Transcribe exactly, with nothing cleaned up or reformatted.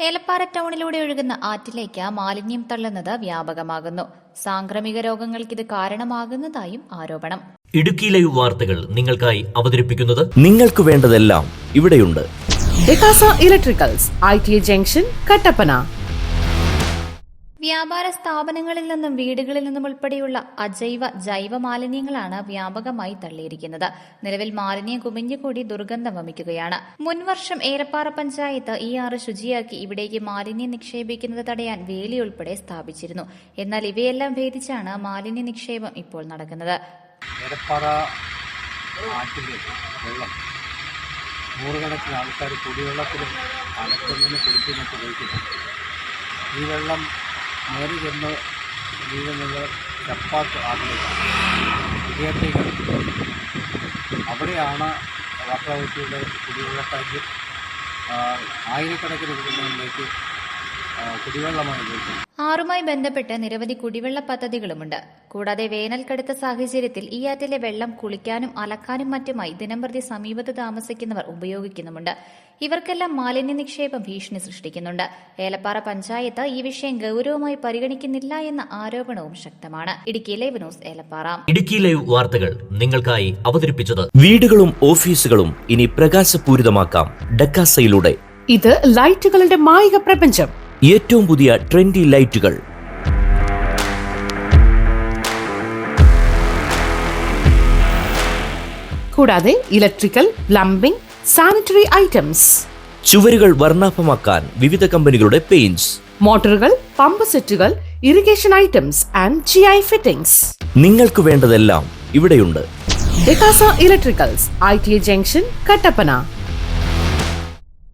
ഏലപ്പാറ ടൗണിലൂടെ ഒഴുകുന്ന ആറ്റിലേക്ക് മാലിന്യം തള്ളുന്നത് വ്യാപകമാകുന്നു. സാംക്രമിക രോഗങ്ങൾക്ക് ഇത് കാരണമാകുന്നതായും ആരോപണം. ഇടുക്കി ലൈവ് വാർത്തകൾ നിങ്ങൾക്കായി അവതരിപ്പിക്കുന്നത് നിങ്ങൾക്ക് വേണ്ടതെല്ലാം ഇവിടെയുണ്ട്. ഡെക്കാസ electricals, I T I junction, Kattappana. വ്യാപാര സ്ഥാപനങ്ങളിൽ നിന്നും വീടുകളിൽ നിന്നും ഉൾപ്പെടെയുള്ള അജൈവ ജൈവ മാലിന്യങ്ങളാണ് വ്യാപകമായി തള്ളിയിരിക്കുന്നത്. നിലവിൽ മാലിന്യം കുമിഞ്ഞുകൂടി ദുർഗന്ധം വമിക്കുകയാണ്. മുൻവർഷം ഏലപ്പാറ പഞ്ചായത്ത് ഈ ആറ് ശുചിയാക്കി ഇവിടേക്ക് മാലിന്യം നിക്ഷേപിക്കുന്നത് തടയാൻ വേലി ഉൾപ്പെടെ സ്ഥാപിച്ചിരുന്നു. എന്നാൽ ഇവയെല്ലാം ഭേദിച്ചാണ് മാലിന്യ നിക്ഷേപം ഇപ്പോൾ നടക്കുന്നത്. ഏലപ്പാറ ആറ്റിലെ വെള്ളം നൂറുകണക്കിന് ആൾക്കാർ കുടിവെള്ളത്തിലും അലക്കുന്നതിന് കുടിക്കുന്നൊക്കെ ഉപയോഗിക്കുന്നു. ഈ വെള്ളം നേരെ ചെന്ന് വീഴുന്നത് ചപ്പാത്ത് ആറ്റിലേക്ക് കുടിയേറ്റങ്ങൾ. അവിടെയാണ് വാട്ടർ അതോറിറ്റിയുടെ കുടിവെള്ള ടാങ്കിൽ ആയിരക്കണക്കിന് കുടുംബങ്ങളിലേക്ക് കുടിവെള്ളമാണ് ഉപയോഗിക്കുന്നത്. ആറുമായി ബന്ധപ്പെട്ട് നിരവധി കുടിവെള്ള പദ്ധതികളുമുണ്ട്. കൂടാതെ വേനൽ കടുത്ത സാഹചര്യത്തിൽ ഈ ആറ്റിലെ വെള്ളം കുളിക്കാനും അലക്കാനും മറ്റുമായി ദിനംപ്രതി സമീപത്ത് താമസിക്കുന്നവർ ഉപയോഗിക്കുന്നുമുണ്ട്. ഇവർക്കെല്ലാം മാലിന്യ നിക്ഷേപം ഭീഷണി സൃഷ്ടിക്കുന്നുണ്ട്. ഏലപ്പാറ പഞ്ചായത്ത് ഈ വിഷയം ഗൌരവമായി പരിഗണിക്കുന്നില്ല എന്ന ആരോപണവും ശക്തമാണ്. Idukki live news, Elappara. Idukki live വാർത്തകൾ നിങ്ങൾക്കായി അവതരിപ്പിച്ചത് വീടുകളും ഓഫീസുകളും ഇനി പ്രകാശപൂരിതമാക്കാം ഡെക്കാസയിലൂടെ. ഇത് ലൈറ്റുകളുടെ മായിക പ്രപഞ്ചം. ഏറ്റവും പുതിയ ട്രെൻഡി ലൈറ്റുകൾ, കൂടാതെ ഇലക്ട്രിക്കൽ, പ്ലംബിംഗ്, സാനിറ്ററി ഐറ്റംസ്, ചുവരുകൾ വർണ്ണാഭമാക്കാൻ വിവിധ കമ്പനികളുടെ പെയിന്റ്സ്, മോട്ടോറുകൾ, പമ്പ് സെറ്റുകൾ, irrigation items and G I fittings. നിങ്ങൾക്ക് വേണ്ടതെല്ലാം ഇവിടെയുണ്ട്. ഡെക്കാസ electricals, I T I junction, Kattappana.